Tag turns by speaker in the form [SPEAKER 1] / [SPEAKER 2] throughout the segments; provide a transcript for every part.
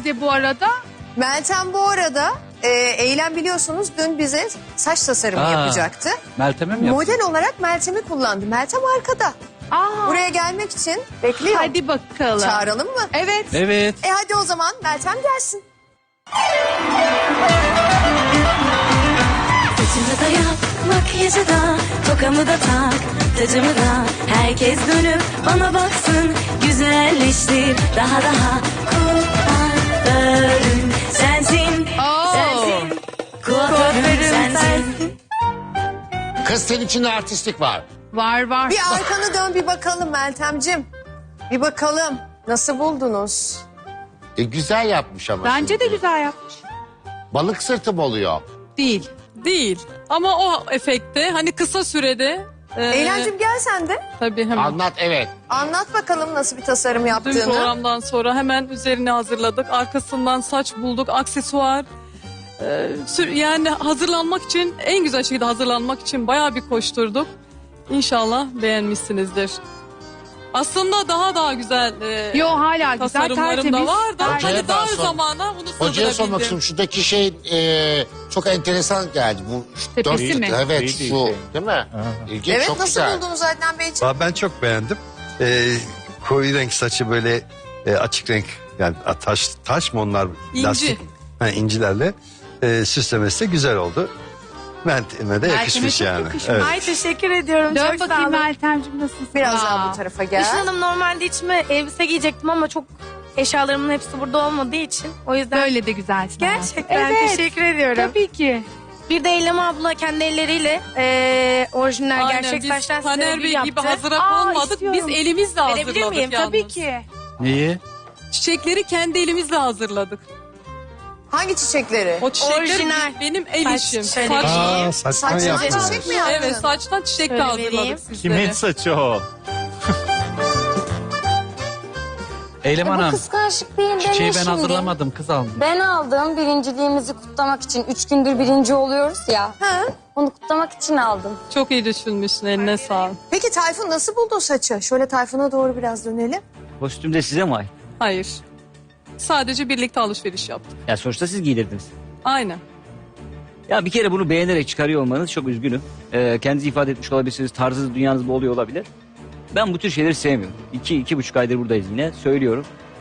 [SPEAKER 1] nerede bu arada?
[SPEAKER 2] Meltem bu arada Eylem biliyorsunuz dün bize saç tasarımı yapacaktı.
[SPEAKER 3] Meltem'e mi yaptın?
[SPEAKER 2] Model olarak Meltem'i kullandı. Meltem arkada.
[SPEAKER 1] Aa,
[SPEAKER 2] Buraya gelmek için bekliyor.
[SPEAKER 1] hadi bakalım.
[SPEAKER 2] Çağıralım mı?
[SPEAKER 1] Evet.
[SPEAKER 3] Evet.
[SPEAKER 2] Hadi o zaman Meltem gelsin.
[SPEAKER 4] Saçımı da yap, makyajı da, tokamı da tak, tacımı da. Herkes dönüp bana baksın, güzelleştir daha kuaförüm sensin, sensin, kuaförüm sensin.
[SPEAKER 5] Kız senin içinde artistlik var.
[SPEAKER 1] Var.
[SPEAKER 2] Bir arkanı dön bir bakalım Meltemcim. Bir bakalım. Nasıl buldunuz?
[SPEAKER 5] Güzel yapmış ama.
[SPEAKER 1] Bence
[SPEAKER 5] şimdi.
[SPEAKER 1] de güzel yapmış.
[SPEAKER 5] Balık sırtı mı oluyor?
[SPEAKER 1] Değil.
[SPEAKER 6] Değil. Ama o efekte hani kısa sürede...
[SPEAKER 2] Eğlencim gel sen de.
[SPEAKER 6] Tabii hemen.
[SPEAKER 5] Anlat evet.
[SPEAKER 2] Anlat bakalım nasıl bir tasarım
[SPEAKER 6] Dün
[SPEAKER 2] yaptığını.
[SPEAKER 6] programdan sonra hemen üzerine hazırladık. Arkasından saç bulduk, aksesuar. Yani hazırlanmak için, en güzel şekilde hazırlanmak için bayağı bir koşturduk. İnşallah beğenmişsinizdir. Aslında daha güzel
[SPEAKER 1] Yo hala güzel,
[SPEAKER 6] tasarımlarım
[SPEAKER 1] tertemiz.
[SPEAKER 6] da var da
[SPEAKER 5] Hocaya
[SPEAKER 6] hani
[SPEAKER 5] daha
[SPEAKER 6] dar
[SPEAKER 5] sor.
[SPEAKER 6] zamana bunu
[SPEAKER 5] Hocaya sormak
[SPEAKER 6] sığdırabildim.
[SPEAKER 5] istiyorum. Şuradaki şey çok enteresan geldi. Bu
[SPEAKER 1] Tepesi mi?
[SPEAKER 5] Evet
[SPEAKER 7] Değil,
[SPEAKER 5] şu
[SPEAKER 7] değil.
[SPEAKER 5] değil mi? İlginç,
[SPEAKER 2] Evet
[SPEAKER 5] çok
[SPEAKER 2] nasıl
[SPEAKER 5] güzel.
[SPEAKER 2] buldunuz Adnan Beyciğim?
[SPEAKER 7] Ben çok beğendim. Koyu renk saçı böyle açık renk yani taş mı onlar?
[SPEAKER 6] İnci.
[SPEAKER 7] Lastik. Ha, incilerle süslemesi de güzel oldu. Meltem'e de yakışmış
[SPEAKER 1] çok
[SPEAKER 7] yani.
[SPEAKER 1] yakışmış.
[SPEAKER 7] Evet.
[SPEAKER 8] Ay teşekkür ediyorum.
[SPEAKER 1] Dön
[SPEAKER 8] çok sağ
[SPEAKER 1] bakayım
[SPEAKER 8] olun.
[SPEAKER 1] Meltemciğim, nasılsın?
[SPEAKER 2] Biraz
[SPEAKER 1] Aa.
[SPEAKER 2] daha bu tarafa
[SPEAKER 8] Işın
[SPEAKER 2] gel.
[SPEAKER 8] Hanım normalde içime elbise giyecektim ama çok eşyalarımın hepsi burada olmadığı için. O yüzden
[SPEAKER 1] Böyle de güzelsin. ama.
[SPEAKER 8] gerçekten
[SPEAKER 1] Evet.
[SPEAKER 8] teşekkür ediyorum.
[SPEAKER 1] Tabii ki.
[SPEAKER 8] Bir de Eylem abla kendi elleriyle orijinal
[SPEAKER 6] Aynen,
[SPEAKER 8] gerçek
[SPEAKER 6] biz
[SPEAKER 8] saçtan
[SPEAKER 6] Taner
[SPEAKER 8] sergi
[SPEAKER 6] Bey
[SPEAKER 8] yaptı.
[SPEAKER 6] gibi hazıra
[SPEAKER 1] Aa,
[SPEAKER 6] konmadık.
[SPEAKER 1] istiyorum.
[SPEAKER 6] Biz elimizle
[SPEAKER 8] Verebilir
[SPEAKER 6] hazırladık
[SPEAKER 8] miyim?
[SPEAKER 6] yalnız.
[SPEAKER 1] Tabii ki.
[SPEAKER 3] Neyi?
[SPEAKER 6] Çiçekleri kendi elimizle hazırladık.
[SPEAKER 2] Hangi çiçekleri?
[SPEAKER 6] O çiçekler
[SPEAKER 8] Orijinal.
[SPEAKER 6] benim el
[SPEAKER 8] Saç
[SPEAKER 6] işim.
[SPEAKER 8] çiçeği.
[SPEAKER 6] Saç,
[SPEAKER 7] Saçtan
[SPEAKER 2] Saçtan
[SPEAKER 7] yaptınız.
[SPEAKER 2] çiçek mi yaptın?
[SPEAKER 6] evet saçtan çiçek de
[SPEAKER 8] Şöyle
[SPEAKER 6] hazırladık
[SPEAKER 8] vereyim.
[SPEAKER 6] sizlere.
[SPEAKER 9] Kimin saçı o?
[SPEAKER 3] Eylem
[SPEAKER 10] Bu
[SPEAKER 3] Hanım.
[SPEAKER 10] kıskançlık değil
[SPEAKER 3] Çiçeği
[SPEAKER 10] deme
[SPEAKER 3] ben
[SPEAKER 10] şimdi.
[SPEAKER 3] hazırlamadım, kız almış.
[SPEAKER 10] Ben aldım birinciliğimizi kutlamak için. 3 gündür birinci oluyoruz ya.
[SPEAKER 2] Ha?
[SPEAKER 10] Onu kutlamak için aldım.
[SPEAKER 6] Çok iyi düşünmüşsün, eline sağlık.
[SPEAKER 2] Peki Tayfun nasıl buldu saçı? Şöyle Tayfun'a doğru biraz dönelim.
[SPEAKER 11] Kostüm de size mi ait?
[SPEAKER 6] Hayır. Sadece birlikte alışveriş yaptık.
[SPEAKER 11] Ya sonuçta siz giydirdiniz.
[SPEAKER 6] Aynen.
[SPEAKER 11] Ya bir kere bunu beğenerek çıkarıyor olmanız çok üzgünüm. Kendinizi ifade etmiş olabilirsiniz. Tarzınız, dünyanız bu oluyor olabilir. Ben bu tür şeyleri sevmiyorum. 2-2,5 aydır buradayız yine. Söylüyorum.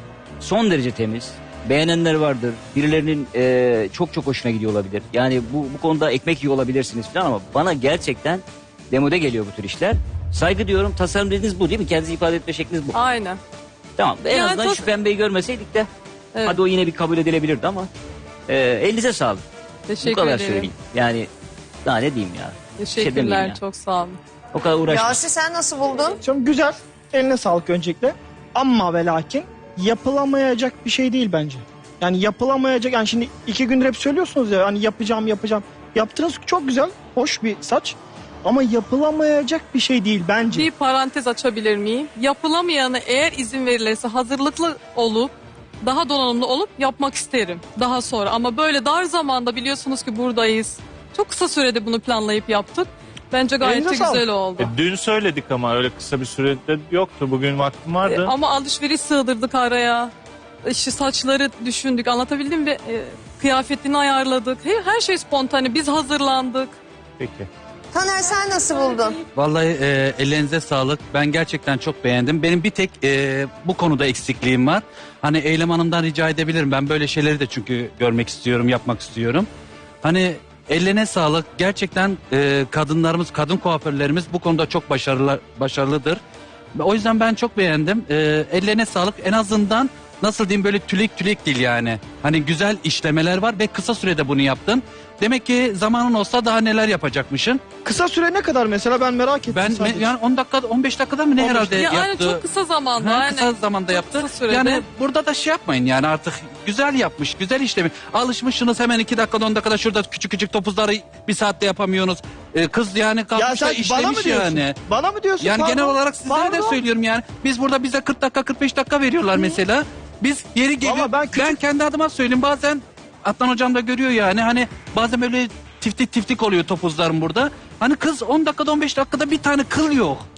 [SPEAKER 11] Son derece temiz. Beğenenler vardır. Birilerinin çok hoşuna gidiyor olabilir. Yani bu konuda ekmek yiyor olabilirsiniz falan ama bana gerçekten demode geliyor bu tür işler. Saygı diyorum. Tasarım dediğiniz bu değil mi? Kendinizi ifade etme şekliniz bu.
[SPEAKER 6] Aynen.
[SPEAKER 11] Tamam. En
[SPEAKER 6] Yani
[SPEAKER 11] azından şu pembeyi görmeseydik de
[SPEAKER 6] Evet.
[SPEAKER 11] hadi o yine bir kabul edilebilirdi ama elinize sağlık.
[SPEAKER 6] Teşekkür
[SPEAKER 11] Bu kadar
[SPEAKER 6] ederim.
[SPEAKER 11] söyleyeyim. Yani daha ne diyeyim ya.
[SPEAKER 6] Teşekkürler,
[SPEAKER 11] demeyeyim ya.
[SPEAKER 6] çok sağ olun.
[SPEAKER 11] O kadar uğraşmış.
[SPEAKER 2] Yasi sen nasıl buldun?
[SPEAKER 12] Çok güzel. Eline sağlık öncelikle. Ama ve lakin yapılamayacak bir şey değil bence. Yani yapılamayacak, yani şimdi 2 gündür hep söylüyorsunuz ya hani yapacağım. Yaptığınız çok güzel, hoş bir saç. Ama yapılamayacak bir şey değil bence.
[SPEAKER 6] Bir parantez açabilir miyim? Yapılamayanı eğer izin verilirse hazırlıklı olup daha donanımlı olup yapmak isterim daha sonra. Ama böyle dar zamanda biliyorsunuz ki buradayız. Çok kısa sürede bunu planlayıp yaptık. Bence gayet de
[SPEAKER 12] Elinize sağlık.
[SPEAKER 6] güzel oldu.
[SPEAKER 9] Dün söyledik ama öyle kısa bir sürede yoktu. Bugün vaktim vardı.
[SPEAKER 6] Ama alışveriş sığdırdık araya. İşte saçları düşündük, anlatabildim mi? Kıyafetini ayarladık. Her şey spontane. Biz hazırlandık.
[SPEAKER 9] Peki.
[SPEAKER 2] Taner sen nasıl buldun?
[SPEAKER 3] Vallahi ellerinize sağlık. Ben gerçekten çok beğendim. Benim bir tek bu konuda eksikliğim var. Hani Eylem Hanım'dan rica edebilirim. Ben böyle şeyleri de çünkü görmek istiyorum, yapmak istiyorum. Hani ellerine sağlık. Gerçekten kadınlarımız, kadın kuaförlerimiz bu konuda çok başarılıdır. O yüzden ben çok beğendim. Ellerine sağlık. En azından nasıl diyeyim, böyle tülek değil yani. Hani güzel işlemeler var ve kısa sürede bunu yaptın. Demek ki zamanın olsa daha neler yapacakmışsın.
[SPEAKER 12] Kısa süre ne kadar mesela, ben merak ettim
[SPEAKER 3] Ben
[SPEAKER 12] sadece.
[SPEAKER 3] yani 10 dakika 15 dakikada mı ne
[SPEAKER 12] 15
[SPEAKER 3] herhalde
[SPEAKER 6] Ya aynen,
[SPEAKER 3] yaptı.
[SPEAKER 6] çok kısa zamanda.
[SPEAKER 3] Ha,
[SPEAKER 6] aynen.
[SPEAKER 3] kısa zamanda
[SPEAKER 6] Çok
[SPEAKER 3] yaptı.
[SPEAKER 6] kısa sürede.
[SPEAKER 3] Yani burada da şey yapmayın yani, artık güzel yapmış, güzel işlemiş. Alışmışsınız hemen 2 dakikada 10 dakikada şurada küçük topuzları bir saatte yapamıyorsunuz. Kız yani
[SPEAKER 12] Ya
[SPEAKER 3] kalkmış da
[SPEAKER 12] sen bana mı
[SPEAKER 3] işlemiş
[SPEAKER 12] diyorsun?
[SPEAKER 3] yani.
[SPEAKER 12] Bana mı diyorsun?
[SPEAKER 3] Yani
[SPEAKER 12] Pardon.
[SPEAKER 3] genel olarak sizlere de
[SPEAKER 12] Pardon.
[SPEAKER 3] söylüyorum yani. Biz burada bize 40 dakika 45 dakika veriyorlar mesela. Biz yeri geliyor.
[SPEAKER 12] Ama ben
[SPEAKER 3] Ben kendi adıma söyleyeyim, bazen Adnan hocam da görüyor yani. Hani bazen böyle tiftik oluyor topuzlarım burada. Hani kız 10 dakikada 15 dakikada bir tane kıl yok.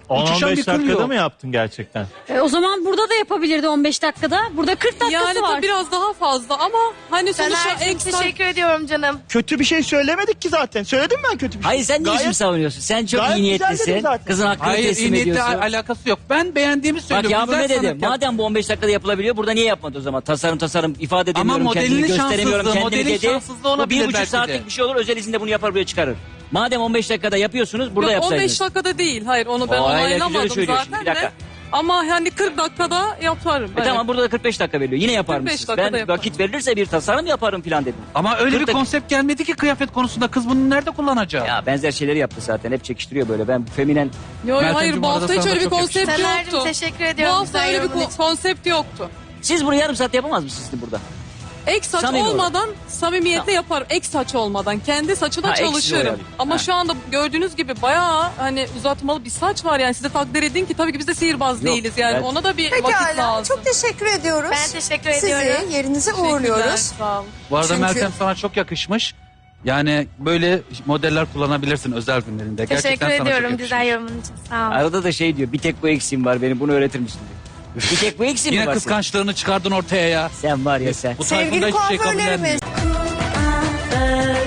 [SPEAKER 3] uçuşan
[SPEAKER 9] 10-15
[SPEAKER 3] bir kıl
[SPEAKER 9] dakikada
[SPEAKER 3] yok.
[SPEAKER 9] mı yaptın gerçekten?
[SPEAKER 1] O zaman burada da yapabilirdi 15 dakikada. Burada 40 dakikası
[SPEAKER 6] Yani
[SPEAKER 1] var.
[SPEAKER 6] tabii biraz daha fazla ama hani sonuçta
[SPEAKER 8] Caner'cim
[SPEAKER 6] ekstra...
[SPEAKER 8] teşekkür ediyorum canım.
[SPEAKER 12] Kötü bir şey söylemedik ki zaten. Söyledim ben kötü bir şey.
[SPEAKER 11] Hayır sen ne
[SPEAKER 12] Gayet-
[SPEAKER 11] biçim savunuyorsun? Sen çok
[SPEAKER 12] gayet
[SPEAKER 11] iyi
[SPEAKER 12] güzel dedim
[SPEAKER 11] niyetlisin.
[SPEAKER 12] zaten.
[SPEAKER 11] Kızın hakkını
[SPEAKER 3] Hayır iyi
[SPEAKER 11] teslim
[SPEAKER 3] niyetle
[SPEAKER 11] ediyorsun.
[SPEAKER 3] alakası yok. Ben beğendiğimi
[SPEAKER 11] Bak
[SPEAKER 3] söylüyorum.
[SPEAKER 11] Yağmur
[SPEAKER 3] Güzel
[SPEAKER 11] ne dedi?
[SPEAKER 3] sanat yap-
[SPEAKER 11] Madem bu 15 dakikada yapılabiliyor burada niye yapmadı o zaman? Tasarım ifade
[SPEAKER 3] Ama
[SPEAKER 11] edemiyorum, kendimi
[SPEAKER 3] modelinin
[SPEAKER 11] gösteremiyorum,
[SPEAKER 3] şanssızlığı,
[SPEAKER 11] kendimi
[SPEAKER 3] modelin
[SPEAKER 11] dedi.
[SPEAKER 3] şanssızlığı
[SPEAKER 11] Bu
[SPEAKER 3] olabilir
[SPEAKER 11] 1,5
[SPEAKER 3] belki de.
[SPEAKER 11] saatlik bir şey olur, özel izinde bunu yapar buraya çıkarır. Madem 15 dakikada yapıyorsunuz burada
[SPEAKER 6] Yok, 15
[SPEAKER 11] yapsaydınız.
[SPEAKER 6] dakikada değil. Hayır onu ben
[SPEAKER 11] O hala
[SPEAKER 6] onaylamadım
[SPEAKER 11] güzel söylüyor şimdi,
[SPEAKER 6] zaten
[SPEAKER 11] bir dakika.
[SPEAKER 6] de. Ama hani 40 dakikada yaparım. Evet.
[SPEAKER 11] Tamam burada da 45 dakika veriliyor. Yine yapar
[SPEAKER 6] 45
[SPEAKER 11] mısınız?
[SPEAKER 6] dakikada
[SPEAKER 11] Ben
[SPEAKER 6] yaparım.
[SPEAKER 11] vakit verilirse bir tasarım yaparım falan dedim.
[SPEAKER 3] Ama öyle
[SPEAKER 11] 40
[SPEAKER 3] bir
[SPEAKER 11] dakika-
[SPEAKER 3] konsept gelmedi ki kıyafet konusunda. Kız bunu nerede kullanacak?
[SPEAKER 11] Ya benzer şeyleri yaptı zaten. Hep çekiştiriyor böyle. Ben feminen
[SPEAKER 6] Yo, yo,
[SPEAKER 3] Meltemciğim,
[SPEAKER 6] hayır bu
[SPEAKER 3] arada
[SPEAKER 6] hafta hiç
[SPEAKER 3] sana
[SPEAKER 6] öyle
[SPEAKER 3] da
[SPEAKER 6] bir
[SPEAKER 3] çok
[SPEAKER 6] konsept
[SPEAKER 8] Caner'cim
[SPEAKER 6] yoktu.
[SPEAKER 8] teşekkür
[SPEAKER 6] Bu
[SPEAKER 8] ediyorum.
[SPEAKER 6] hafta
[SPEAKER 8] güzel
[SPEAKER 6] öyle bir
[SPEAKER 8] yorumun için.
[SPEAKER 6] konsept yoktu.
[SPEAKER 11] siz bunu yarım saat yapamaz mısınız şimdi burada?
[SPEAKER 6] Ek saç
[SPEAKER 11] Samimi
[SPEAKER 6] olmadan samimiyetle yaparım. Ek saç olmadan. Kendi saçı da
[SPEAKER 11] Ha, eksiz
[SPEAKER 6] çalışırım.
[SPEAKER 11] oyalayayım.
[SPEAKER 6] Ama
[SPEAKER 11] Ha.
[SPEAKER 6] şu anda gördüğünüz gibi bayağı hani uzatmalı bir saç var yani. Size takdir edin ki tabii ki biz de sihirbaz
[SPEAKER 11] Yok,
[SPEAKER 6] değiliz yani.
[SPEAKER 11] ben-
[SPEAKER 6] Ona da bir vakit
[SPEAKER 2] Pekala.
[SPEAKER 6] lazım.
[SPEAKER 2] Çok teşekkür ediyoruz.
[SPEAKER 8] Ben teşekkür
[SPEAKER 2] Sizi
[SPEAKER 8] ediyorum.
[SPEAKER 2] yerinize
[SPEAKER 6] Teşekkürler,
[SPEAKER 2] uğurluyoruz.
[SPEAKER 6] Sağ olun.
[SPEAKER 3] Bu arada
[SPEAKER 2] Çünkü-
[SPEAKER 3] Meltem sana çok yakışmış. Yani böyle modeller kullanabilirsin özel günlerinde.
[SPEAKER 8] Teşekkür
[SPEAKER 3] Gerçekten sana çok
[SPEAKER 8] ediyorum
[SPEAKER 3] yakışmış.
[SPEAKER 8] güzel yorumun için. Sağ ol.
[SPEAKER 11] Arada da şey diyor. Bir tek bu eksiğim var benim. Bunu öğretir misin diyor. Bir tek bu eksiğim mi
[SPEAKER 3] Yine
[SPEAKER 11] var
[SPEAKER 3] kıskançlığını çıkardın ortaya ya.
[SPEAKER 11] Sen var ya sen.
[SPEAKER 3] Bu tayfunda
[SPEAKER 2] Sevgili
[SPEAKER 3] hiçbir şey kabullenmiyor.
[SPEAKER 2] kuaförlerimiz.